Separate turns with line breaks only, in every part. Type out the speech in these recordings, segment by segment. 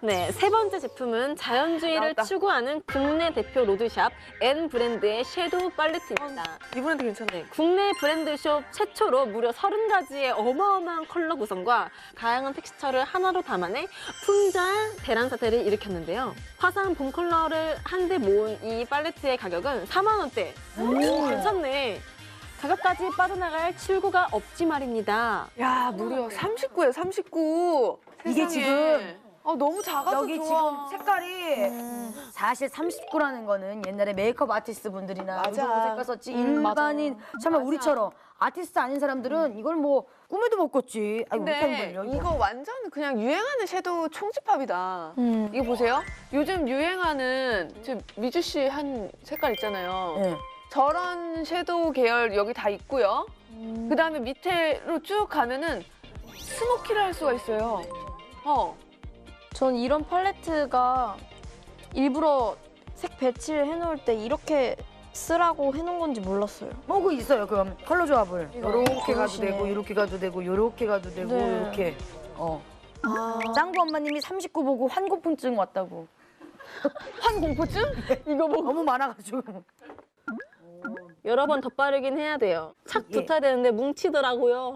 네, 세 번째 제품은 자연주의를
나왔다.
추구하는 국내 대표 로드샵 N 브랜드의 섀도우 팔레트입니다.
이분한테 괜찮네.
네, 국내 브랜드숍 최초로 무려 30가지의 어마어마한 컬러 구성과 다양한 텍스처를 하나로 담아내 풍자한 대란사태를 일으켰는데요. 화사한 봄 컬러를 한데 모은 이 팔레트의 가격은 4만 원대. 오, 괜찮네. 가격까지 빠져나갈 출구가 없지 말입니다.
야, 무려 39예요, 39.
이게 지금
너무 작아서
여기
좋아.
지금 색깔이 사실 39라는 거는 옛날에 메이크업 아티스트 분들이나
맞아.
무슨 색깔 썼지 일반인 정말 우리처럼 아티스트 아닌 사람들은 이걸 뭐 꿈에도 못 꿨지. 아이고
근데
못하는 걸요.
이거 완전 그냥 유행하는 섀도우 총집합이다. 이거 보세요. 요즘 유행하는 지금 미주 씨 한 색깔 있잖아요.
네.
저런 섀도우 계열 여기 다 있고요. 그다음에 밑에로 쭉 가면은 스모키를 할 수가 있어요.
전 이런 팔레트가 일부러 색 배치를 해놓을 때 이렇게 쓰라고 해놓은 건지 몰랐어요.
그 있어요. 그럼 컬러 조합을 요렇게 가도
그러시네.
되고 요렇게 가도 되고 요렇게 가도 되고
네.
요렇게. 짱구 엄마님이 39 보고 환고풍증 왔다고.
환공포증? 이거 뭐
너무 많아가지고.
여러 번 덧바르긴 해야 돼요. 착
예.
붙어야 되는데 뭉치더라고요.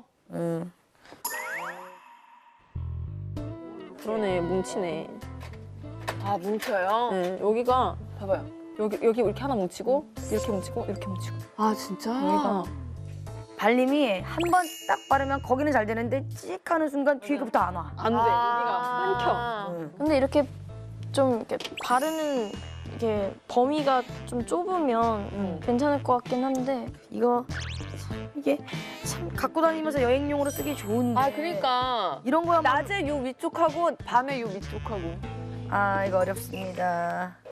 그러네, 뭉치네.
아, 뭉쳐요?
네, 여기가
봐봐요.
여기 이렇게 하나 뭉치고 이렇게 뭉치고 이렇게 뭉치고
아, 진짜?
여기가
발림이 한 번 딱 바르면 거기는 잘 되는데 찍 하는 순간 뒤에부터 안 와.
안 돼. 여기가 끊겨.
근데 이렇게 좀 이렇게 바르는 이게 범위가 좀 좁으면 괜찮을 것 같긴 한데
이게 참 갖고 다니면서 여행용으로 쓰기 좋은데.
아, 그러니까.
이런 거야.
낮에 요 위쪽하고 밤에 요 위쪽하고.
이거 어렵습니다.